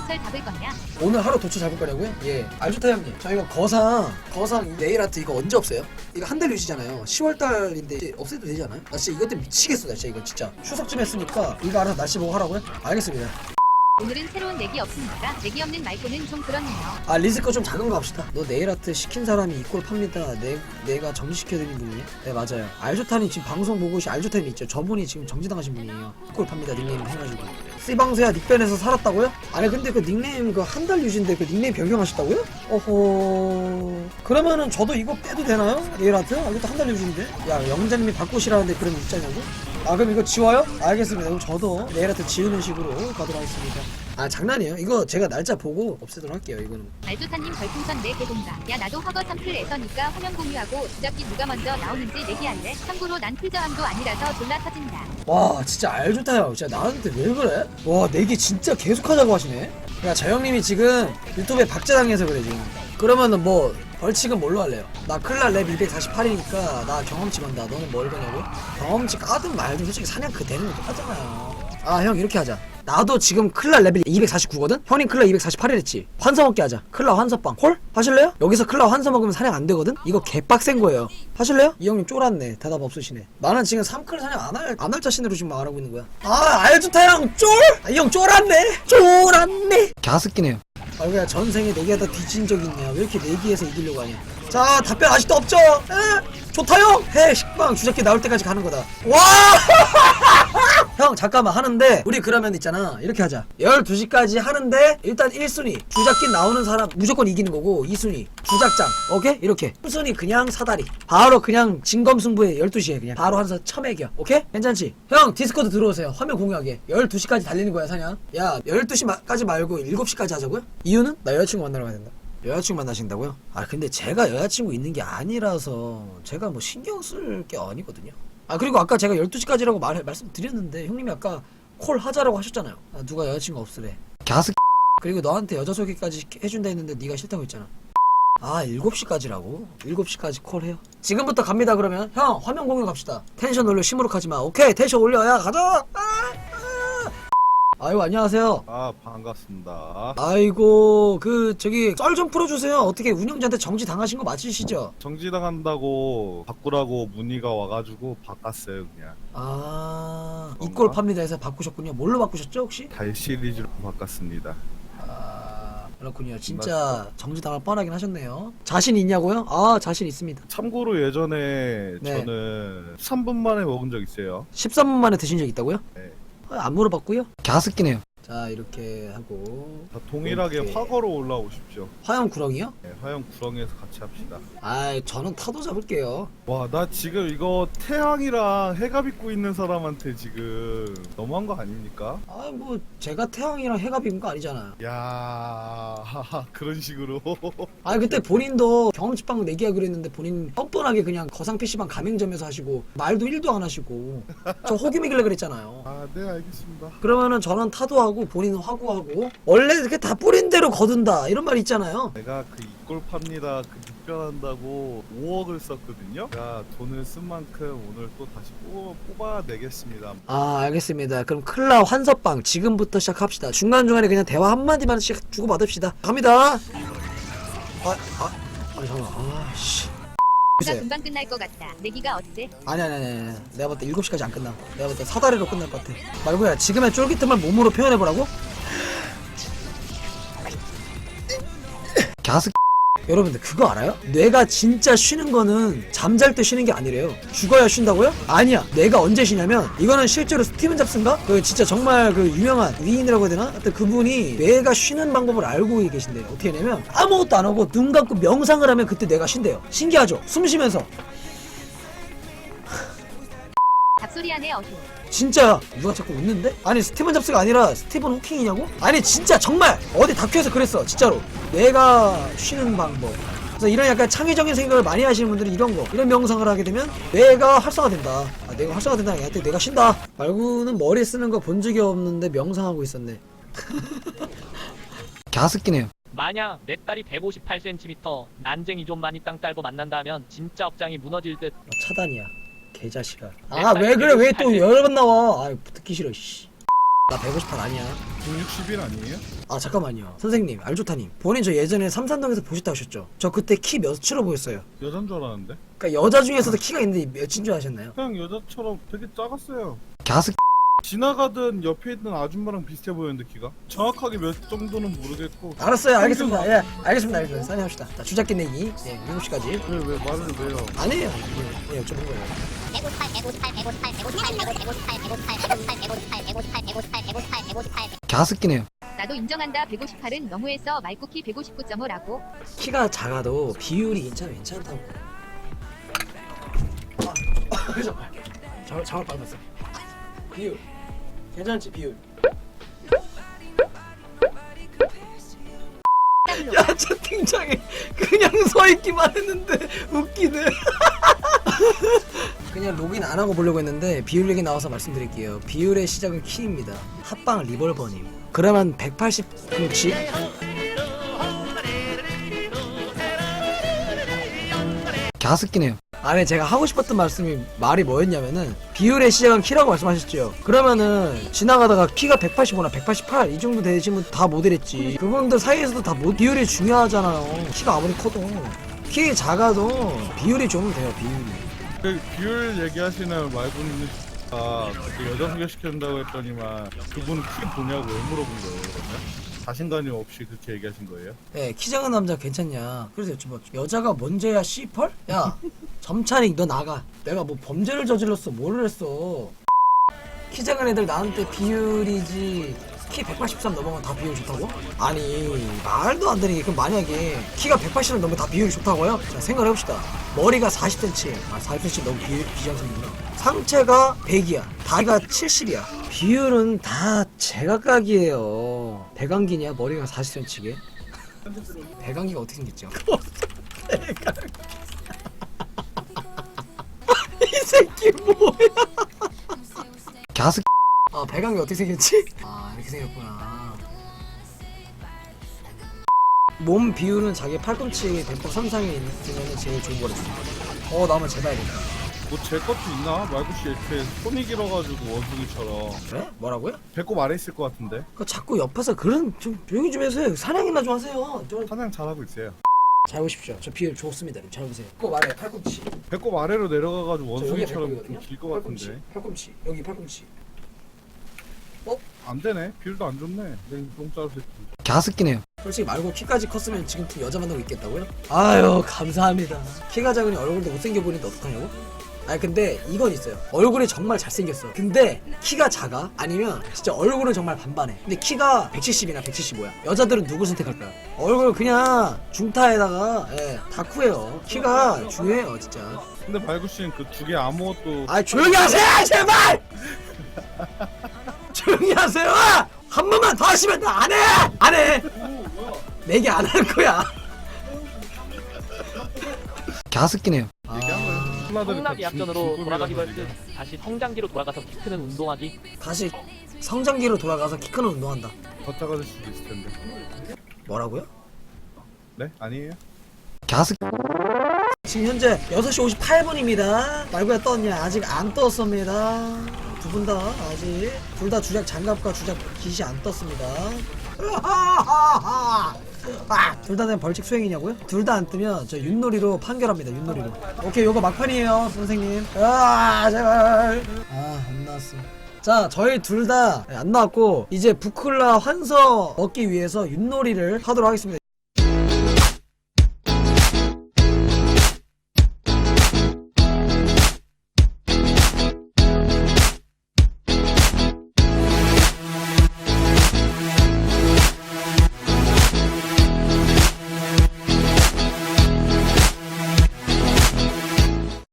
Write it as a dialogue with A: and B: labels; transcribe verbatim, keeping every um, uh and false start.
A: 도철 잡을 거냐?
B: 오늘 하루 도초 잡을 거냐고요? 예. 알조타 형님. 저희가 거상, 거상 네일 아트 이거 언제 없어요? 이거 한 달 유지잖아요. 시월 달인데 이제 없애도 되지 않아요? 나 진짜 이것 때문에 미치겠어, 나 진짜 이거 진짜. 추석쯤 했으니까 이거 알아서 날씨 보고 하라고요? 알겠습니다.
A: 오늘은 새로운 내기 없습니까? 내기 없는 말고는 좀 그렇네요.
B: 아, 리스 거 좀 작은 거 합시다. 너 네일 아트 시킨 사람이 이꼴 팝니다. 내, 내가 정지시켜드린 분이에요? 네, 맞아요. 알조타님 지금 방송 보고 오신 알조타님 있죠? 저분이 지금 정지당하신 분이에요. 이꼴 팝니다. 닉네임 해가지고. 씨방새야 닉변에서 살았다고요? 아니, 근데 그 닉네임 그 한 달 유지인데 그 닉네임 변경하셨다고요? 어허. 그러면은 저도 이거 빼도 되나요? 네일 아트? 아, 이것도 한 달 유지인데? 야, 영자님이 바꾸시라는데 그런 입장이냐고? 아, 그럼 이거 지워요? 알겠습니다. 그럼 저도 네일 아트 지우는 식으로 가도록 하겠습니다. 아, 장난이에요. 이거 제가 날짜 보고 없애도록 할게요. 이거는.
A: 알조타님 별풍선 내 개동가. 야 나도 허거 텀플 에서니까 화면 공유하고 주작기 누가 먼저 나오는지 내기할래? 참고로 난 풀저함도 아니라서 졸라 터진다.
B: 와, 진짜 알조타요. 진짜 나한테 왜 그래? 와, 내기 진짜 계속하자고 하시네. 야, 저 형님이 지금 유튜브에 박제당해서 그래 지금. 그러면은 뭐 벌칙은 뭘로 할래요? 나 클라 랩 이백사십팔이니까 나 경험치 건다. 너는 뭘 거냐고? 경험치 까든 말든 솔직히 사냥 그 되는 거 똑같잖아요. 아, 형 이렇게 하자. 나도 지금 클라 레벨 이백사십구거든? 형님 클라 이백사십팔이랬지? 환서 먹게 하자. 클라 환서빵 콜? 하실래요? 여기서 클라 환서 먹으면 사냥 안 되거든? 이거 개빡센 거예요. 하실래요? 이 형님 쫄았네. 대답 없으시네. 나는 지금 삼 클 사냥 안 할, 안 할 자신으로 지금 말하고 있는 거야. 아, 알조타 형 쫄! 아, 이 형 쫄았네. 쫄았네. 갸스끼네요. 아, 왜 전생에 내기하다 뒤진 적 있냐? 왜 이렇게 내기해서 이기려고 하냐? 자, 답변 아직도 없죠? 에? 좋다요? 해, 식빵 주작기 나올 때까지 가는 거다. 와! 형, 잠깐만 하는데, 우리 그러면 있잖아. 이렇게 하자. 열두 시까지 하는데, 일단 일 순위. 주작기 나오는 사람 무조건 이기는 거고, 이 순위. 주작장. 오케이? 이렇게. 삼 순위 그냥 사다리. 바로 그냥 진검승부에 열두 시에 그냥. 바로 한서 처매겨. 오케이? 괜찮지? 형, 디스코드 들어오세요. 화면 공유하게. 열두 시까지 달리는 거야, 사냥. 야, 열두 시까지 말고 일곱 시까지 하자고요? 이유는? 나 여자친구 만나러 가야 된다. 여자친구 만나신다고요? 아, 근데 제가 여자친구 있는 게 아니라서 제가 뭐 신경 쓸 게 아니거든요. 아, 그리고 아까 제가 열두 시까지라고 말, 말씀드렸는데 형님이 아까 콜 하자라고 하셨잖아요. 아, 누가 여자친구 없으래. 갸스. 그리고 너한테 여자 소개까지 해준다 했는데 네가 싫다고 했잖아. 아, 일곱 시까지라고? 일곱 시까지 콜해요. 지금부터 갑니다. 그러면 형 화면 공유 갑시다. 텐션 올려. 시무룩하지마. 오케이, 텐션 올려. 야, 가자. 아! 아이고, 안녕하세요.
C: 아, 반갑습니다.
B: 아이고, 그 저기 썰 좀 풀어주세요. 어떻게 운영자한테 정지 당하신 거 맞으시죠?
C: 정지당한다고 바꾸라고 문의가 와가지고 바꿨어요, 그냥.
B: 아,
C: 그런가?
B: 이꼴 팝니다 해서 바꾸셨군요. 뭘로 바꾸셨죠 혹시?
C: 달 시리즈로 바꿨습니다.
B: 아, 그렇군요. 진짜 정지 당할 뻔하긴 하셨네요. 자신 있냐고요? 아, 자신 있습니다.
C: 참고로 예전에
B: 네.
C: 저는 십삼 분 만에 먹은 적 있어요.
B: 십삼 분 만에 드신 적 있다고요?
C: 네.
B: 아, 안 물어봤고요. 갸스끼네요. 자, 이렇게 하고
C: 다 동일하게
B: 이렇게.
C: 화거로 올라오십시오.
B: 화염 구렁이요?
C: 네, 화영 구렁에서 같이 합시다.
B: 아, 저는 타도 잡을게요.
C: 와, 나 지금 이거 태양이랑 해가 입고 있는 사람한테 지금 너무한 거 아닙니까?
B: 아, 뭐 제가 태양이랑 해가 비운 거 아니잖아요.
C: 야, 하하, 그런 식으로.
B: 아, 그때 본인도 경험치빵 내기하기로 했는데 본인 뻔뻔하게 그냥 거상 피시방 가맹점에서 하시고 말도 일도 안 하시고 저 호기미길래 그랬잖아요.
C: 아, 네, 알겠습니다.
B: 그러면은 저는 타도하고 본인은 화구하고 원래 이렇게 다 뿌린 대로 거둔다 이런 말 있잖아요.
C: 내가 그 이꼴 팝니다 그 득변한다고 오억을 썼거든요. 제가 돈을 쓴 만큼 오늘 또 다시 뽑아, 뽑아내겠습니다.
B: 아, 알겠습니다. 그럼 클라 환서빵 지금부터 시작합시다. 중간중간에 그냥 대화 한마디만씩 주고받읍시다. 갑니다. 아, 아, 아니 잠깐만. 아씨.
A: 나 금방 끝날 것 같다. 내기가 어때?
B: 아니 아니 아니 아니. 내가 볼 때 일곱 시까지 안 끝나. 내가 볼 때 사다리로 끝날 것 같아. 말고야, 지금의 쫄깃함을 몸으로 표현해보라고? 갸스. 여러분들 그거 알아요? 뇌가 진짜 쉬는 거는 잠잘 때 쉬는 게 아니래요. 죽어야 쉰다고요? 아니야. 뇌가 언제 쉬냐면 이거는 실제로 스티븐 잡스인가? 그 진짜 정말 그 유명한 위인이라고 해야 되나? 하여튼 그분이 뇌가 쉬는 방법을 알고 계신대요. 어떻게 하냐면 아무것도 안 하고 눈 감고 명상을 하면 그때 뇌가 쉰대요. 신기하죠? 숨 쉬면서.
A: 잡소리 안에 어휴.
B: 진짜 누가 자꾸 웃는데? 아니 스티븐 잡스가 아니라 스티븐 호킹이냐고? 아니 진짜 정말 어디 다큐에서 그랬어 진짜로. 뇌가 쉬는 방법. 그래서 이런 약간 창의적인 생각을 많이 하시는 분들은 이런 거 이런 명상을 하게 되면 뇌가 활성화된다. 아, 뇌가 활성화된다는 게 아니라 뇌가 쉰다. 말고는 머리 쓰는 거 본 적이 없는데 명상하고 있었네. 갸스끼네요.
D: 만약 내 딸이 백오십팔 센티미터 난쟁이 좀 많이 땅 딸고 만난다면 진짜 억장이 무너질 듯.
B: 어, 차단이야 개자식아. 아, 왜 그래? 왜 또 여러 번 나와? 아, 듣기 싫어 씨. 나 백오십팔 아니야.
C: 백육십일 아니에요?
B: 아 잠깐만요 선생님 알조타님, 본인 저 예전에 삼산동에서 보셨다 하셨죠? 저 그때 키 몇으로 보였어요?
C: 여잔 줄 알았는데?
B: 그러니까 여자 중에서도 키가 있는데 몇인 줄 아셨나요?
C: 그냥 여자처럼 되게 작았어요.
B: 갸스.
C: 지나가던 옆에 있는 아줌마랑 비슷해 보였는데 키가? 정확하게 몇 정도는 모르겠고.
B: 알았어요 알겠습니다. 예 알겠습니다 알겠습니다. 사인합시다. 자 주작기 내기 예 일곱 시까지.
C: 왜 왜 말을 왜요?
B: 아니에요. 예 여쭤본 거예요.
E: 백오십팔, 백오십팔, 백오십팔, 백오십팔, 백오십팔, 백오십팔, 백오십팔, 백오십팔, 백오십팔, 백오십팔, 백오십팔, 백오십팔.
B: 갸스끼네요.
A: 나도 인정한다. 백오십팔은 너무해서 말쿠키 백오십구 점 오라고.
B: 키가 작아도 비율이 괜찮아 괜찮다고. 아, 그죠? 잘 잘못 받았어. 비율 괜찮지 비율. 야 채팅창에 그냥 서 있기만 했는데 웃기네. 그냥 로그인 안 하고 보려고 했는데 비율 얘기 나와서 말씀드릴게요. 비율의 시작은 키입니다. 합방 리볼버님. 그러면 백팔십 인치? 갸스끼네요. 아니 제가 하고 싶었던 말씀이 말이 뭐였냐면은 비율의 시작은 키라고 말씀하셨죠. 그러면은 지나가다가 키가 백팔십오나 백팔십팔 이 정도 되시면 다 모델했지. 그분들 사이에서도 다 모, 비율이 중요하잖아요. 키가 아무리 커도 키 작아도 비율이 좋으면 돼요. 비율이.
C: 그 비율 얘기하시는 말고는 아 그때 여자 소개시켜준다고 했더니만 그분은 키 보냐고 왜 물어본 거예요 그러면? 자신감이 없이 그렇게 얘기하신 거예요?
B: 예, 키 작은 남자 괜찮냐? 그래서 여쭤봤죠. 여자가 먼저야 씨펄? 야, 점찬이 너 나가. 내가 뭐 범죄를 저질렀어, 뭐를 했어? 키 작은 애들 나한테 비율이지. 키 백팔십삼 넘어가면 다 비율이 좋다고? 아니 말도 안 되는 게 그럼 만약에 키가 백팔십을 넘으면 다 비율이 좋다고요? 자 생각해봅시다. 머리가 사십 센티미터 아 사십 센티미터 너무 비, 비정상이구나. 상체가 백이야 다리가 칠십이야 비율은 다 제각각이에요. 배강기냐 머리가 사십 센티미터게? 배강기가 어떻게 생겼죠? 배강기 이 새끼 뭐야. 갸스. 아 배강이 어떻게 생겼지? 아 이렇게 생겼구나. 몸 비율은 자기 팔꿈치 배꼽 삼상에 있으면 제일 좋은 거랬어. 어 나만 재봐야겠다.
C: 뭐 제 것도 있나? 말구씨 이렇게 손이 길어가지고 원숭이처럼
B: 그래? 뭐라고요?
C: 배꼽 아래 있을 것 같은데?
B: 그 자꾸 옆에서 그런 좀 조용히 좀 해주세요. 사냥이나 좀 하세요. 좀.
C: 사냥 잘하고 있어요.
B: 잘 보십시오. 저 비율 좋습니다. 잘 보세요. 꼭 아래 팔꿈치.
C: 배꼽 아래로 내려가가지고
B: 저 여기
C: 원숭이처럼
B: 배꼽이거든요.
C: 길 것
B: 팔꿈치.
C: 같은데
B: 팔꿈치. 여기 팔꿈치.
C: 안 되네. 비율도 안 좋네. 너무 짧을
B: 갸스끼네요. 솔직히 말고 키까지 컸으면 지금쯤 여자 만나고 있겠다고요? 아유 감사합니다. 키가 작으니 얼굴도 못생겨 보이는데 어떡하냐고? 아니 근데 이건 있어요. 얼굴이 정말 잘생겼어. 근데 키가 작아? 아니면 진짜 얼굴은 정말 반반해. 근데 키가 백칠십이나 백칠십오야. 여자들은 누구 선택할까요? 얼굴 그냥 중타에다가 예, 다쿠예요. 키가 중요해요 진짜.
C: 근데 말구씨는 그 두 개 아무것도
B: 아 조용히 하세요 제발! 조용히 하세요! 한 번만 더 하시면 나 안 해! 안 해! 내기 안 할 거야. 갸스끼네요.
C: 얘기한 거예요. 콜라들이
D: 성락이
C: 다 중-
D: 약전으로
C: 중급이라서
D: 돌아가기로 할
C: 지금.
D: 듯 다시 성장기로 돌아가서 키 크는 운동하기.
B: 다시 성장기로 돌아가서 키 크는 운동한다.
C: 더 작아질 수도 있을 텐데.
B: 뭐라고요?
C: 네? 아니에요?
B: 갸스. 지금 현재 여섯 시 오십팔 분입니다. 말고야 떴냐? 아직 안 떴습니다. 두 분 다 아직 둘 다 주작 장갑과 주작 깃이 안 떴습니다. 아, 둘 다 된 벌칙 수행이냐고요? 둘 다 안 뜨면 저 윷놀이로 판결합니다. 윷놀이로. 오케이, 요거 막판이에요, 선생님. 아, 제발. 아, 안 나왔어. 자, 저희 둘 다 안 나왔고 이제 부클라 환서 얻기 위해서 윷놀이를 하도록 하겠습니다.